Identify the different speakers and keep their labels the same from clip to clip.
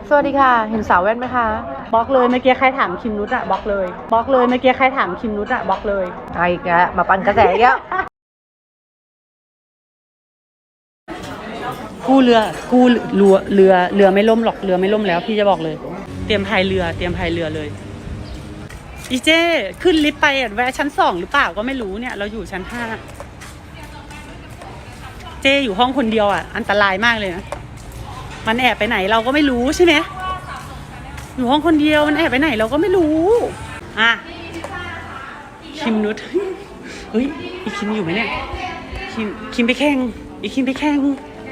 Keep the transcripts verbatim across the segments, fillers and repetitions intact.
Speaker 1: สวัสดีค่ะเห็นสาวแว่นไหมคะบล็อกเลยเมื่อกี้ใครถามคิมนุชอะบล็อกเลยบล็อกเลยเมื่อกี้ใครถามคิมนุชอะบล็อกเลยไอ้แกมาปั่นกระแสอีกแล้วกู้เรือกู้เรือเรือเรือไม่ล่มหรอกเรือไม่ล่มแล้วพี่จะบอกเลยเตรียมพายเรือเตรียมพายเรือเลยอีเจ้ขึ้นลิฟต์ไปแวะชั้นสองหรือเปล่าก็ไม่รู้เนี่ยเราอยู่ชั้นห้าเจ้อยู่ห้องคนเดียวอ่ะอันตรายมากเลยนะมันแอบไปไหนเราก็ไม่รู้ใช่ไหมอยู่ห้องคนเดียวมันแอบไปไหนเราก็ไม่รู้อ่ะคิมนุชเฮ้ยอีคิมอยู่ไหมเนี่ยคิมคิมไปแข่งอีคิมไปแข่ง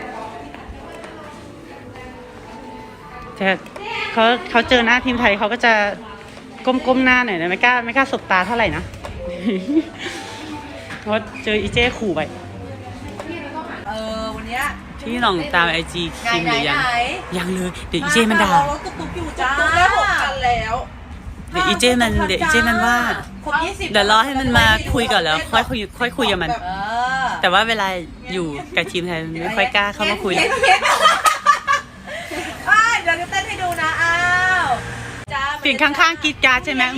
Speaker 1: แต่เขาเขาเจอหน้าทีมไทยเขาก็จะก้มๆหน้าหน่อยนะไม่กล้าไม่กล้าสบตาเท่าไหร่นะเพราะเจออีเจ้ขู่ไป
Speaker 2: เออวันเนี้ย
Speaker 1: ที่ลองตามไอจีคิมหรือยังยังเลยเดี๋ยวอีเจ้มันด่า
Speaker 2: เราตุ๊กตุ๊กอยู่จ้าตุ๊กได้หกพันแล้ว
Speaker 1: เดี๋ยวอีเจ้มันเดี๋ยวอีเจ้มันว่าเดี๋ยวรอให้มันมาคุยก่อนแล้วค่อยคุยค่อยคุยกับมันแต่ว่าเวลาอยู่กับทีมไทยมันไม่ค่อยกล้าเข้ามาคุย
Speaker 2: เดี๋ยวจะเต้นให้ดูนะอ้าว
Speaker 1: เสียงข้างๆกีดการ์ดใช่ไหม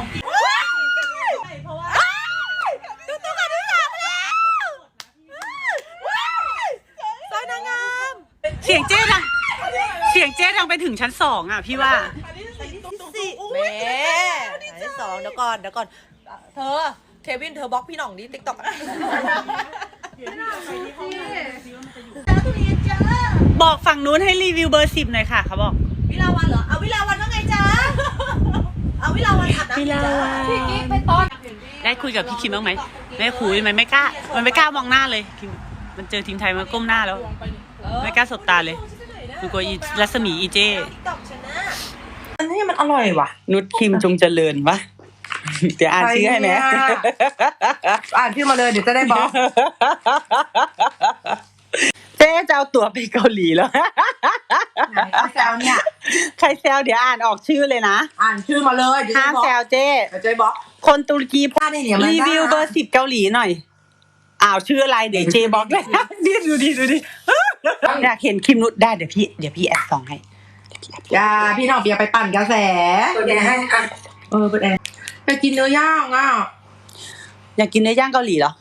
Speaker 1: เสียงเจ๊ดังเสียงเจ๊ดังไปถึงชั้นสองอ่ะพี่ว่า
Speaker 2: แม่ชั้นสองเดี๋ยวก่อนเดี๋ยวก่อนเธอเควินเธอบล็อกพี่หน่องดิติ๊กต็อก
Speaker 1: บอกฝั่งนู้นให้รีวิวเบอร์สิบหน่อยค่ะเขาบอก
Speaker 2: วิลาวันเหรอเอาวิลาวันว่าไงจ๊ะเอาวิลาวันอาบน้ำ
Speaker 1: วิลาวันพี่กิ๊กไปตอนได้คุยกับพี่คิมบ้างไหมไม่คุยมันไม่กล้ามันไม่กล้ามองหน้าเลยมันเจอทีมไทยมันก้มหน้าแล้วไม่กล้าสบตาเลยมันกลัวอีรัศมีอีเจ
Speaker 2: อันนี้มันอร่อยว่ะ
Speaker 1: นุชคิมจงเจริญวะเดี๋ยวอ่านชื่อให้ไหม
Speaker 2: อ่านชื่อมาเลยเดี๋ยวจะได้บอก
Speaker 1: เจ๊จะเอาตัวไปเกาหลีแล้ว
Speaker 2: ใครแซวเนี่ย
Speaker 1: ใครแซวเดี๋ยวอ่านออกชื่อเลยนะ
Speaker 2: อ่านชื่อมาเลย
Speaker 1: ห้ามแซวเจ๊
Speaker 2: เจ๊บอก
Speaker 1: คนตุรกีพารีวิวเบอร์สิบเกาหลีหน่อยอ้าวชื่ออะไรเดี๋ยวเจ๊บอกเลยดิดูดิดูดิอยากเห็นคิมนุชได้เดี๋ยวพี่เดี๋ยวพี่แอดส่องให้
Speaker 2: อย่าพี่น้องอย่าไปปั่นกระแสเปิดแอร์ให้อ่ะเออเปิดแอร์ไปกินเนื้อย่างอ่ะ
Speaker 1: อยากกินเนื้อย่างเกาหลีเหรอ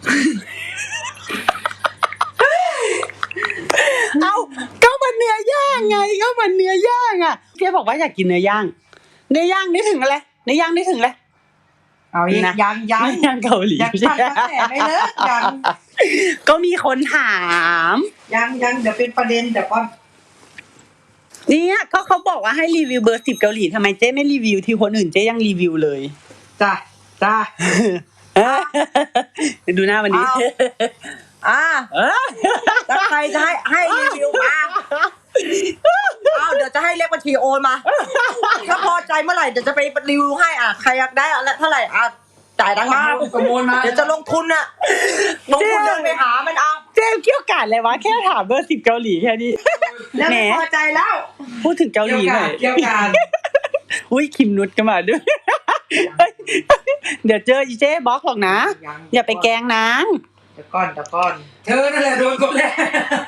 Speaker 1: เอาก็มันเนื้อย่างไงก็มันเนื้อย่างอ่ะเจ๊บอกว่าอยากกินเนื้อย่างเนื้อย่างนึกถึงอะไรเนื้อย่างนึกถึงอะไร
Speaker 2: เอาอีกยังยัง
Speaker 1: ยังเกาหลี
Speaker 2: ยังปั่นกระแสไม่เลิกยัง
Speaker 1: ก็มีคนถาม
Speaker 2: ยังยังเดี๋ยวเป็นประเด็นเดี๋ยวก่อน
Speaker 1: เนี่ยก็เขาบอกว่าให้รีวิวเบอร์สิบเกาหลีทำไมเจ๊ไม่รีวิวที่คนอื่นเจ๊ยังรีวิวเลย
Speaker 2: จ้ะจ้ะ
Speaker 1: ดูหน้าวันนี้
Speaker 2: อ่าถ้าใครจะให้ให้รีวิวมาอ้าวเดี๋ยวจะให้เลขบัญชีโอนมาถ้าพอใจเมื่อไหร่เดี๋ยวจะไปรีวิวให้อ่ะใครอยากได้อะไรเท่าไหร่อ่ะจ่ายตังค์มาประมูลมาเดี๋ยวจะลงทุนอ่ะลงทุนเดินไปหามันเอา
Speaker 1: เจ๊เกี่ยวกันเลยวะแค่ถามเบอร์สิบเกาหลีแค่นี้
Speaker 2: แล้วพอใจแล้ว
Speaker 1: พูดถึงเกาหลีหน่อย
Speaker 2: เกี่ยวกัน
Speaker 1: อุ้ยคิมนุชก็มาด้วยเดี๋ยวเจออีเจ๊บล็อกหรอกนะอย่าไปแกล้งนาง
Speaker 2: เดี๋ยวก่อนเดี๋ยวก่อนเธอนั่นแหละโดนกดแรก